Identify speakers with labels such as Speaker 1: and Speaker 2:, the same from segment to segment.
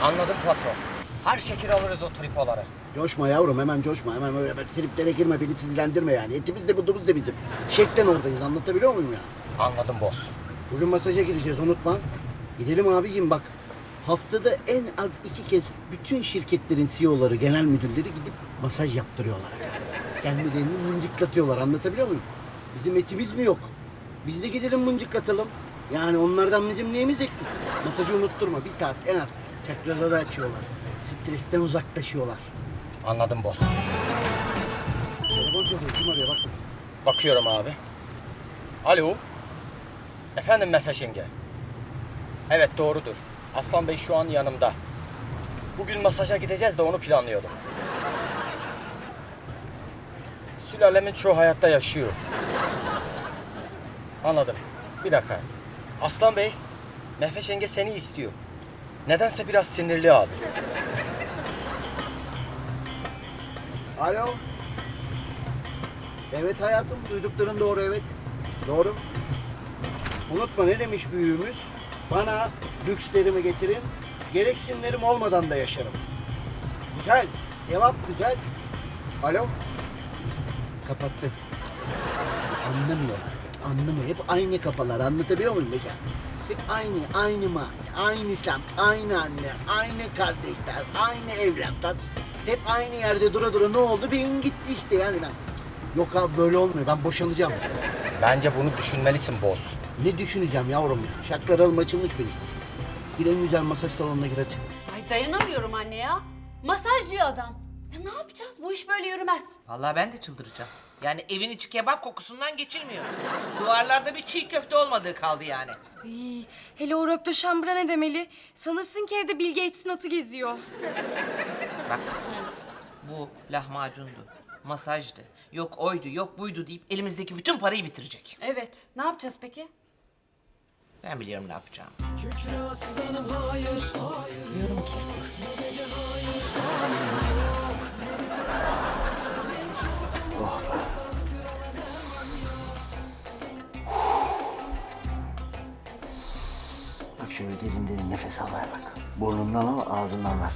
Speaker 1: Anladım patron. Her şekil alırız o tripoları.
Speaker 2: Coşma yavrum, hemen coşma. Hemen öyle triplere girme, beni sinirlendirme yani. Etimiz de budumuz da bizim. Şeklen oradayız, anlatabiliyor muyum ya?
Speaker 1: Anladım boss.
Speaker 2: Bugün masaja gideceğiz, unutma. Gidelim abicim bak. Haftada en az 2 kez bütün şirketlerin CEO'ları, genel müdürleri gidip masaj yaptırıyorlar. Kendilerini mıncıklatıyorlar, anlatabiliyor muyum? Bizim etimiz mi yok? Biz de gidelim mıncıklatalım. Yani onlardan bizim neyimiz eksik? Masajı unutturma, 1 saat en az. Çakraları açıyorlar. Stresten uzaklaşıyorlar.
Speaker 1: Anladım boss.
Speaker 2: Telefon çalıyor, kim arıyor bak.
Speaker 1: Bakıyorum abi. Alo. Efendim Mehveş yenge. Evet doğrudur. Aslan Bey şu an yanımda. Bugün masaja gideceğiz de onu planlıyordum. Sülalemin çoğu hayatta yaşıyor. Anladım. Bir dakika. Aslan Bey, Mehveş yenge seni istiyor. Nedense biraz sinirli abi.
Speaker 2: Alo. Evet hayatım, duydukların doğru, evet. Doğru. Unutma ne demiş büyüğümüz? Bana lükslerimi getirin, gereksinlerim olmadan da yaşarım. Güzel, cevap güzel. Alo. Kapattı. Anlamıyorlar, anlamıyor. Hep aynı kafalar, anlatabiliyor muyum Beşer? Hep aynı mahalle, aynı semt, aynı anne, aynı kardeşler, aynı evlatlar. Hep aynı yerde dura ne oldu? Beyin gitti işte yani ben. Yok abi böyle olmuyor, ben boşanacağım.
Speaker 1: Bence bunu düşünmelisin boss.
Speaker 2: Ne düşüneceğim yavrum ya? Şaklalarım açılmış benim. Gir en güzel masaj salonuna gir hadi.
Speaker 3: Ay dayanamıyorum anne ya. Masaj diyor adam. Ya ne yapacağız? Bu iş böyle yürümez.
Speaker 4: Vallahi ben de çıldıracağım. Yani evin içi kebap kokusundan geçilmiyor. Duvarlarda bir çiğ köfte olmadığı kaldı yani.
Speaker 5: Ay, hele o röpte şambra ne demeli? Sanırsın ki evde Bill Gates'in atı geziyor.
Speaker 4: Bak bu lahmacundu, masajdı, yok oydu, yok buydu deyip elimizdeki bütün parayı bitirecek.
Speaker 3: Evet. Ne yapacağız peki?
Speaker 4: Ben biliyorum ne yapacağım. Diyorum ki
Speaker 2: Bak şöyle derin derin nefes al ver bak. Burnundan al, ağzından ver.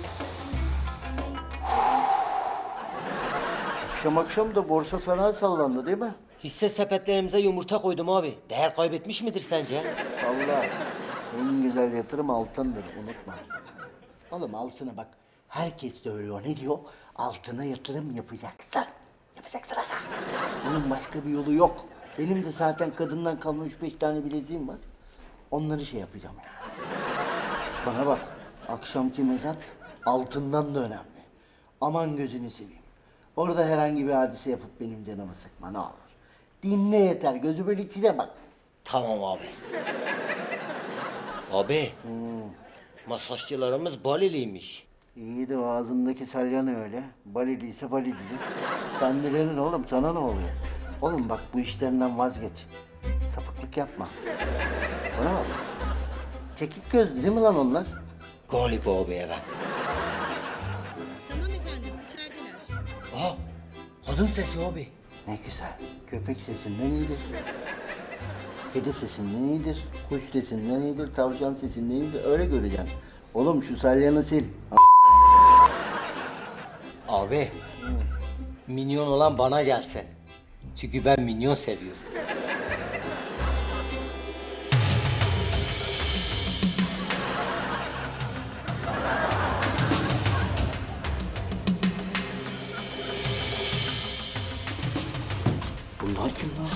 Speaker 2: Akşam da borsa fena sallandı değil mi?
Speaker 6: Hisse sepetlerimize yumurta koydum abi. Değer kaybetmiş midir sence?
Speaker 2: Salla. En güzel yatırım altındır, unutma. Oğlum altına bak. Herkes söylüyor. Ne diyor? Altına yatırım yapacaksın. Yapacaksın aga. Bunun başka bir yolu yok. Benim de zaten kadından kalma 3-5 tane bileziğim var. Onları şey yapacağım yani. Bana bak. Akşamki mezat altından da önemli. Aman gözünü seveyim. Orada herhangi bir hadise yapıp benim canımı sıkma ne olur. Dinle yeter. Gözümün içine bak.
Speaker 6: Tamam abi. Abi. Masajcılarımız Baliliymiş.
Speaker 2: İyi de o ağzındaki salyan öyle. Baliliyse balili. Kendilerinin oğlum sana ne oluyor? Oğlum bak bu işlerinden vazgeç. Sapıklık yapma. Bana bak. Çekik gözlü değil mi lan onlar?
Speaker 6: Galiba abi evet.
Speaker 7: Tamam efendim, içerideler.
Speaker 6: Aa, kadın sesi abi.
Speaker 2: Ne güzel. Köpek sesinden iyidir. Kedi sesinden iyidir. Kuş sesinden iyidir. Tavşan sesinden iyidir. Öyle göreceksin. Oğlum şu salyanı sil.
Speaker 6: Abi. Minyon olan bana gelsin. Çünkü ben minyon seviyorum.
Speaker 2: Bunlar kim lan?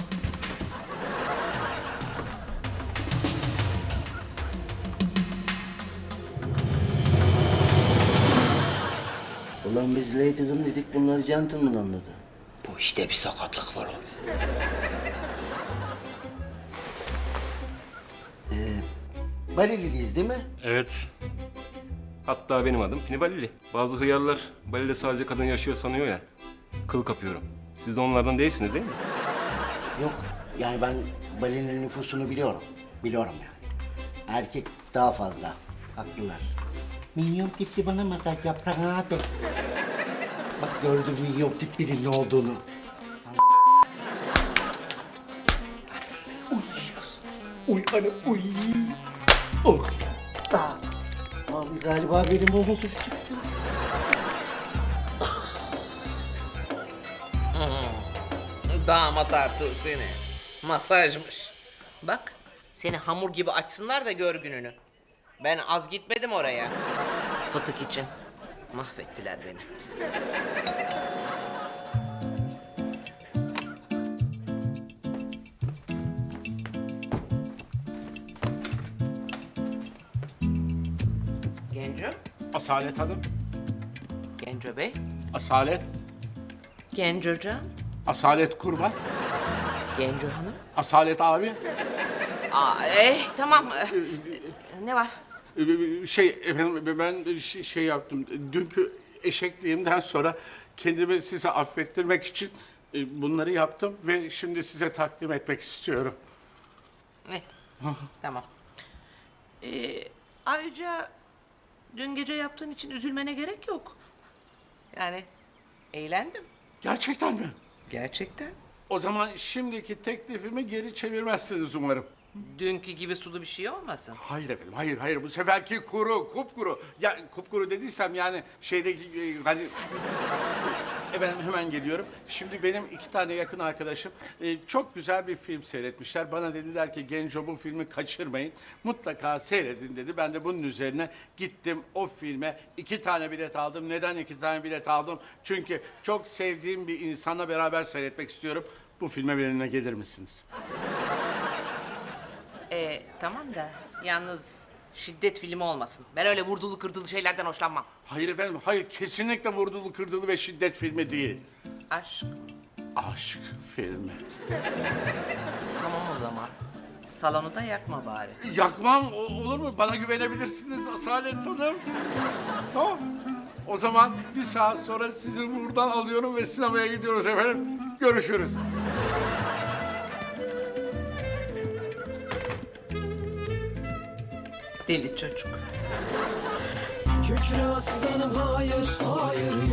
Speaker 2: Ulan biz ladies'ım dedik, bunları gentleman anladı.
Speaker 6: Bu işte bir sakatlık var abi.
Speaker 2: Baliliyiz değil mi?
Speaker 8: Evet. Hatta benim adım Pinibalili. Bazı hıyarlar Bali'de sadece kadın yaşıyor sanıyor ya. Kıl kapıyorum. Siz de onlardan değilsiniz değil mi?
Speaker 2: Yok. Yani ben Bali'nin nüfusunu biliyorum. Biliyorum yani. Erkek daha fazla. Haklılar. Minyon tipli bana masaj yapsana abi. Bak gördüm minyon tip birinin olduğunu. Uy hanım uy. Oh. Ah. Vallahi Galiba benim omuzum çıktı.
Speaker 4: Damat artığı seni. Masajmış. Bak seni hamur gibi açsınlar da gör gününü. Ben az gitmedim oraya. Fıtık için. Mahvettiler beni. Genco,
Speaker 7: Asalet Hanım,
Speaker 4: Genco Bey,
Speaker 7: Asalet,
Speaker 4: Gencocan,
Speaker 7: Asalet Kurban,
Speaker 4: Genco Hanım.
Speaker 7: Asalet abi.
Speaker 4: Tamam. Ne var?
Speaker 7: Şey efendim ben şey yaptım. Dünkü eşekliğimden sonra kendimi size affettirmek için bunları yaptım ve şimdi size takdim etmek istiyorum.
Speaker 4: Ne? Tamam. Ayrıca dün gece yaptığın için üzülmene gerek yok. Yani eğlendim.
Speaker 7: Gerçekten mi?
Speaker 4: Gerçekten.
Speaker 7: O zaman şimdiki teklifimi geri çevirmezsiniz umarım.
Speaker 4: Dünkü gibi sulu bir şey olmasın.
Speaker 7: Hayır efendim, hayır. Bu seferki kuru, kupkuru. Ya kupkuru dediysem yani şeydeki... hani... Efendim hemen geliyorum. Şimdi benim 2 tane yakın arkadaşım çok güzel bir film seyretmişler. Bana dediler ki Genco bu filmi kaçırmayın. Mutlaka seyredin dedi. Ben de bunun üzerine gittim o filme 2 tane bilet aldım. Neden 2 tane bilet aldım? Çünkü çok sevdiğim bir insanla beraber seyretmek istiyorum. Bu filme benimle gelir misiniz?
Speaker 4: Tamam da yalnız şiddet filmi olmasın. Ben öyle vurdulu kırdılı şeylerden hoşlanmam.
Speaker 7: Hayır efendim, hayır. Kesinlikle vurdulu kırdılı ve şiddet filmi değil.
Speaker 4: Aşk.
Speaker 7: Aşk filmi.
Speaker 4: Tamam o zaman. Salonu da yakma bari.
Speaker 7: Yakmam olur mu? Bana güvenebilirsiniz Asalet Hanım. Tamam. O zaman 1 saat sonra sizi buradan alıyorum ve sinemaya gidiyoruz efendim. Görüşürüz.
Speaker 4: Deli çocuk.
Speaker 9: Kükre aslanım hayır, hayır